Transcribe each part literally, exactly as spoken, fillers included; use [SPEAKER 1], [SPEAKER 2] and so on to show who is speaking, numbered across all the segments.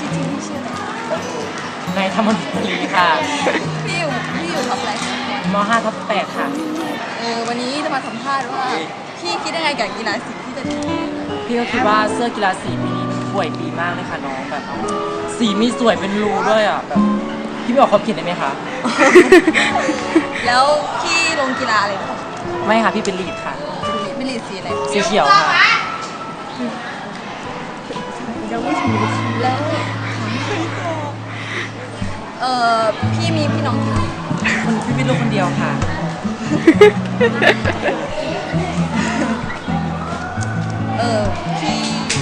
[SPEAKER 1] จริงพี่ชื่ออะไร
[SPEAKER 2] นายธรรมนุรีค่ะ
[SPEAKER 1] พี่อยู่พี่อยู่ท็อปอะไรคะ
[SPEAKER 2] มห้าทับแปดค่ะ
[SPEAKER 1] เออวันนี้จะมาสัมภาษณ์ว่าพี่คิดยังไงกับกีฬาสีที่จะ
[SPEAKER 2] พี่ก็คิดว่าเสื้อกีฬาสีปีนี้ป่วยดีมากเลยค่ะน้องแบบ สีมีสวยเป็นรูด้วยอ่ะแบบพี่ไม่ออกความคิดได้ไหมคะ
[SPEAKER 1] แล้วพี่ลงกีฬาอะไรหรอ
[SPEAKER 2] ไม่ค่ะพี่เป็นลีดค่ะ
[SPEAKER 1] ไม่รีดสีอะไร
[SPEAKER 2] สีเขียวค่ะ
[SPEAKER 1] แล้วเออพี่มีพี่น้องกี่คน
[SPEAKER 2] คนพี่เป็นลูกคนเดียวค่ะ
[SPEAKER 1] เออพี่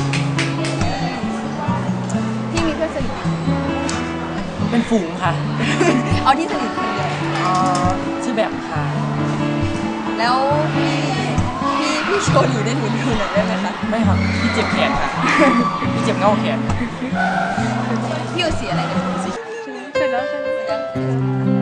[SPEAKER 1] พี่มีเพื่อนสนิทไหม
[SPEAKER 2] เป็นฝูงค่ะ
[SPEAKER 1] เอาที่สนิทคนเดียว
[SPEAKER 2] อ๋อชื่อแบบค่ะ
[SPEAKER 1] แล้วพี่พี่พี่โชว์หนูได้หนูดูหน่อยได้ไหมคะ
[SPEAKER 2] ไม่ค่ะพี่เจ็บแขนค่ะ พี่เจ็บเง่าแขน
[SPEAKER 1] พี่อยู่สีอะไรเนี่ย
[SPEAKER 2] สี
[SPEAKER 1] เสร็จแล้วใช่ไหมยัง